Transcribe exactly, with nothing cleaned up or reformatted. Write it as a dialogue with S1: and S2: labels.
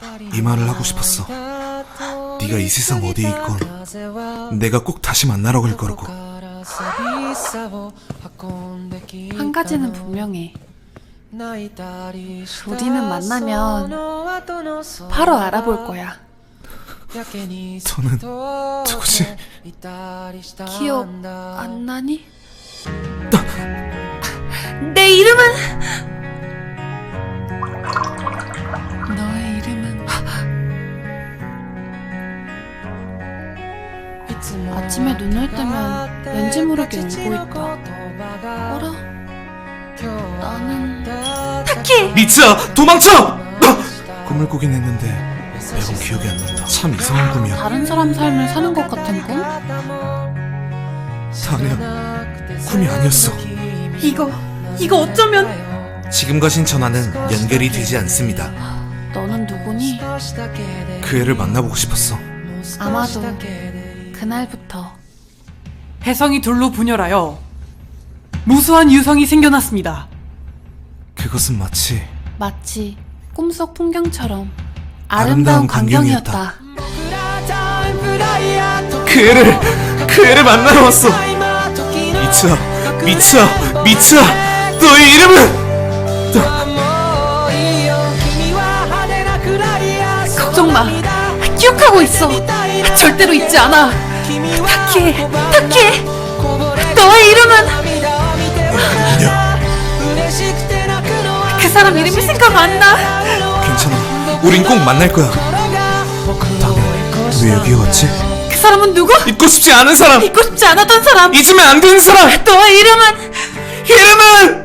S1: 이 말을 하고 싶었어. 네가 이 세상 어디에 있건 내가 꼭 다시 만나러 갈 거라고.
S2: 한 가지는 분명해. 우리는 만나면 바로 알아볼 거야.
S1: 저는 누구지?
S2: 기억 안 나니? 내 이름은 너의 이름은 아침에 눈을 뜨면 왠지 모르게 울고 있다. 어라? 나는 타키!
S1: 미츠야, 도망쳐! 꿈을 꾸긴 했는데 매번 기억이 안 난다. 참 이상한 꿈이야.
S2: 다른 사람 삶을 사는 것 같은 꿈?
S1: 아니야, 꿈이 아니었어.
S2: 이거 이거 어쩌면.
S1: 지금과신 전화는 연결이 되지 않습니다.
S2: 너는 누구니?
S1: 그 애를 만나보고 싶었어.
S2: 아마도 그날부터
S3: 혜성이 둘로 분열하여 무수한 유성이 생겨났습니다.
S1: 그것은 마치
S2: 마치 꿈속 풍경처럼
S1: 아름다운
S2: 아름다운 광경이었다.
S1: 그 애를 그 애를 만나러 왔어. 미츠야, 미츠야, 미츠야, 너의 이름은?
S2: 걱정 마. 기억하고 있어. 절대로 잊지 않아. 타키, 타키. 너의 이름은?
S1: 아니야.
S2: 그 사람 이름이 생각 안 나.
S1: 괜찮아. 우린 꼭 만날 거야. 나는 왜 여기에 왔지?
S2: 그 사람은 누구?
S1: 잊고 싶지 않은 사람.
S2: 잊고 싶지 않았던 사람.
S1: 잊으면 안 되는 사람.
S2: 너의 이름은?
S1: 이름은